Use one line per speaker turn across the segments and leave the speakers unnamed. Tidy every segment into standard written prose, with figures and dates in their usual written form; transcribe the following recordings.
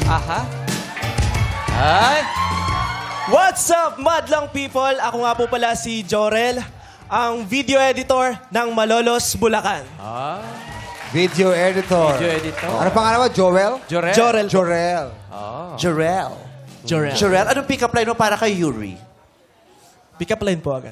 Aha. Ay.
What's up, madlang people? Ako nga po pala si Jorel, ang video editor ng Malolos, Bulacan.
Video editor.
Video editor.
Ano pangalan mo? Joel?
Jorel.
Jorel.
Jorel.
Jorel.
Jorel.
Jorel, anong pick-up line mo para kay Yuri?
Pick up line po agad.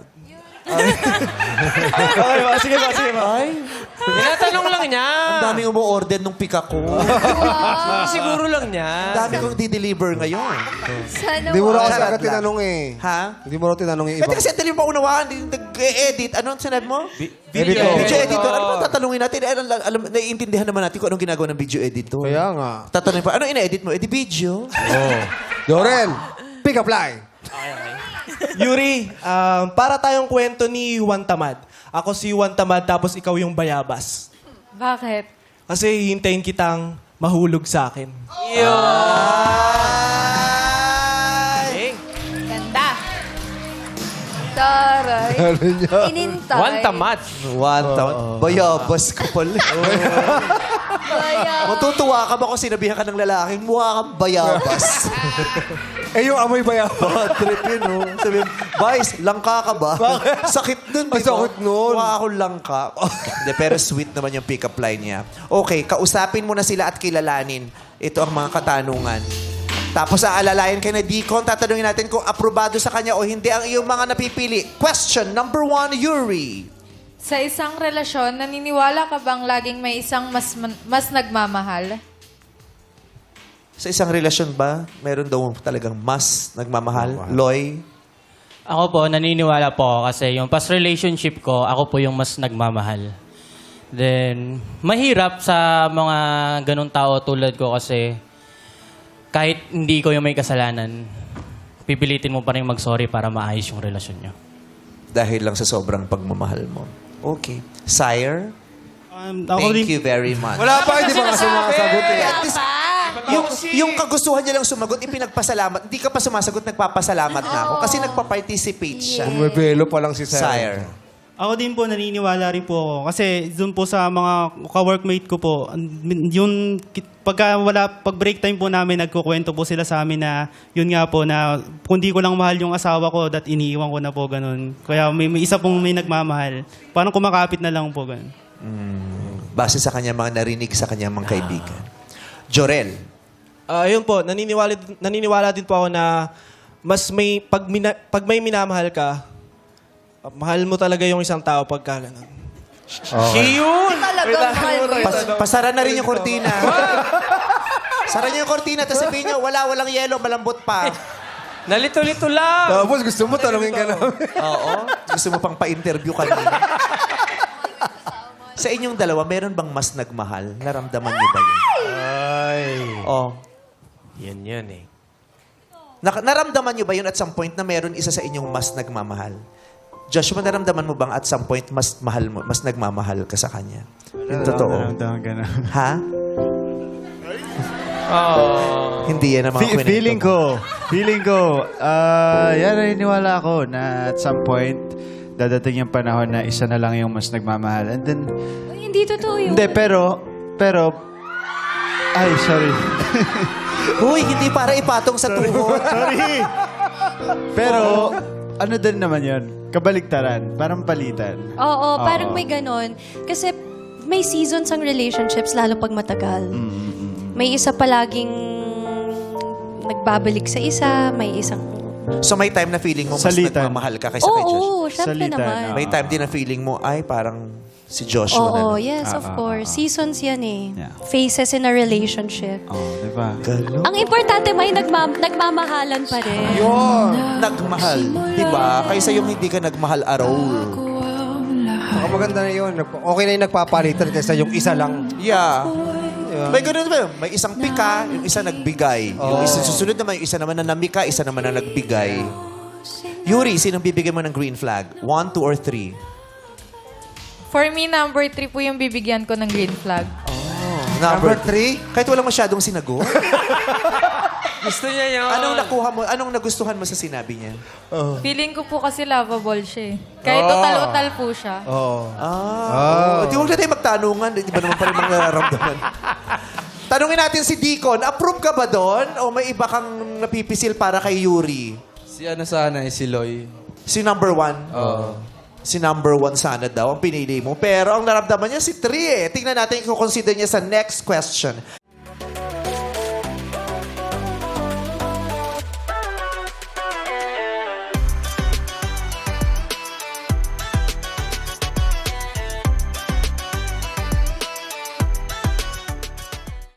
Okay ba? Sige ba? Sige ba?
Ay,
Tinatanong lang niya.
ang daming umu-order nung pick-up ko.
Siguro lang niya.
Ang dami kong di-deliver ngayon.
Sana
Hindi mo na kasi
Charot
agad
lang.
tinanong eh.
Ha?
Hindi mo na tinanong yung
Pwede
ibang...
kasi ang talim pa unawaan, nag-edit. Ano ang sinabi mo?
Editor.
Video editor. Ano ba tatanungin natin? Alam, naiintindihan naman natin kung anong ginagawa ng video editor.
Kaya nga.
Tatanungin pa, ano ina-edit mo? Edi video.
Jorel, pick up line.
Yuri, para tayong kwento ni Juan Tamad. Ako si Juan Tamad, tapos ikaw yung bayabas.
Bakit?
Kasi hintayin kitang mahulog sa akin.
Ganda. Taray.
Ano niya?
Inintay.
One tamat.
One town. Bayabas ka pala.
Baya.
Matutuwa ka ba kung sinabihan ka ng lalaking mukha kang bayabas?
Eh, yung amoy ba yan?
Bad trip yun, oh. Sabi, Vice, langka ka ba? Sakit nun, di
Ay,
ba?
sakit nun.
Mukha akong langka. Hindi, pero sweet naman yung pick-up line niya. Okay, kausapin mo na sila at kilalanin. Ito ang mga katanungan. Tapos aalalayan kay na Deacon, tatanungin natin kung aprobado sa kanya o hindi ang iyong mga napipili. Question number 1, Yuri.
Sa isang relasyon, naniniwala ka bang laging may isang mas nagmamahal?
Sa isang relasyon ba, meron daw talagang mas nagmamahal? Loy?
Ako po, naniniwala po ako kasi yung past relationship ko, ako po yung mas nagmamahal. Then, mahirap sa mga ganong tao tulad ko kasi kahit hindi ko yung may kasalanan, pipilitin mo pa rin mag-sorry para maayos yung relasyon nyo.
Dahil lang sa sobrang pagmamahal mo. Okay. Sire?
Ako
Thank
din,
you very much.
Wala pa, hindi pa ka sumasagot eh.
At least, yung kagustuhan niya lang sumagot, ipinagpasalamat. Hindi ka pa sumasagot, nagpapasalamat na ako. Kasi nagpa-participate siya.
Bumibelo pa lang si
Sire.
ako din po naniniwala rin po ako. Kasi doon po sa mga ka-workmate ko po, yung pag break time po namin, nagkukwento po sila sa amin na yun nga po na kung di ko lang mahal yung asawa ko, that iniiwan ko na po ganun. Kaya may isa pong may nagmamahal. Parang kumakapit na lang po ganun.
Base sa kanya mga narinig sa kanya mga kaibigan. Jorel.
Ayun po, naniniwala din po ako na mas may, pag may minamahal ka, mahal mo talaga yung isang tao pagka ganun.
Yun.
Talagang mahal mo yun.
Pasara na rin yung kortina. Sara niyo yung kortina, tapos sabihin niyo, walang yelo, malambot pa.
Nalito-lito lang.
Tapos gusto mo tanongin ka namin.
Oo. Gusto mo pang pa-interview kanina. Sa inyong dalawa, meron bang mas nagmahal? Naramdaman niyo ba yun?
Ay.
Oh.
Yan eh.
Naramdaman niyo ba yun at some point na meron isa sa inyong mas nagmamahal? Joshua, naramdaman mo bang at some point mas mahal mo, mas nagmamahal ka sa kanya? Yung totoo.
Naramdaman ka na.
Ha? Hindi yan ang mga kwento
Feeling ko, yan naniniwala ako na at some point, dadating yung panahon na isa na lang yung mas nagmamahal. And then,
Uy, hindi totoo yun.
hindi, pero, ay, sorry.
Uy, hindi para ipatong sa tuhod.
Sorry. Pero, ano din naman yun? Kabaligtaran. Parang palitan.
Oo, parang may ganon. Kasi may seasons ang relationships, lalo pag matagal. May isa palaging nagbabalik sa isa, may isang...
So may time na feeling mo mas
Salitan.
nagmamahal ka kaysa kay Joshua?
Oo, syempre
Salitan,
naman.
May time din na feeling mo, ay parang si Joshua na.
Oo, yes, of course. Seasons yan eh.
Yeah.
Phases in a relationship.
Oh, diba?
Ang importante, may nagmamahalan pa rin.
Nagmahal. Diba? Kaysa yung hindi ka nagmahal araw.
Saka maganda na yun. Okay na yung nagpapalitan kaysa yung isa lang.
Yeah. May ganun ba? May isang pika, yung isa nagbigay. Yung isa susunod naman, yung isa naman na namika, isa naman na nagbigay. Yuri, sinong bibigyan mo ng green flag? 1, 2, or 3?
For me, number 3 po yung bibigyan ko ng green flag.
Number 3? Kahit walang masyadong sinagot.
Gusto niya yun.
Anong nakuha mo? Anong nagustuhan mo sa sinabi niya?
Feeling ko po kasi lovable siya eh. Kahit utal-utal po siya.
Di huwag na tayo magtanungan. Di ba naman pa rin mga nararamdaman? Tanungin natin si Deacon, approve ka ba doon? O may iba kang napipisil para kay Yuri?
Si ano sana, si Loy.
Si number 1?
Oo.
Si number 1 sana daw ang pinili mo. Pero ang naramdaman niya si 3 eh. Tingnan natin kung consider niya sa next question.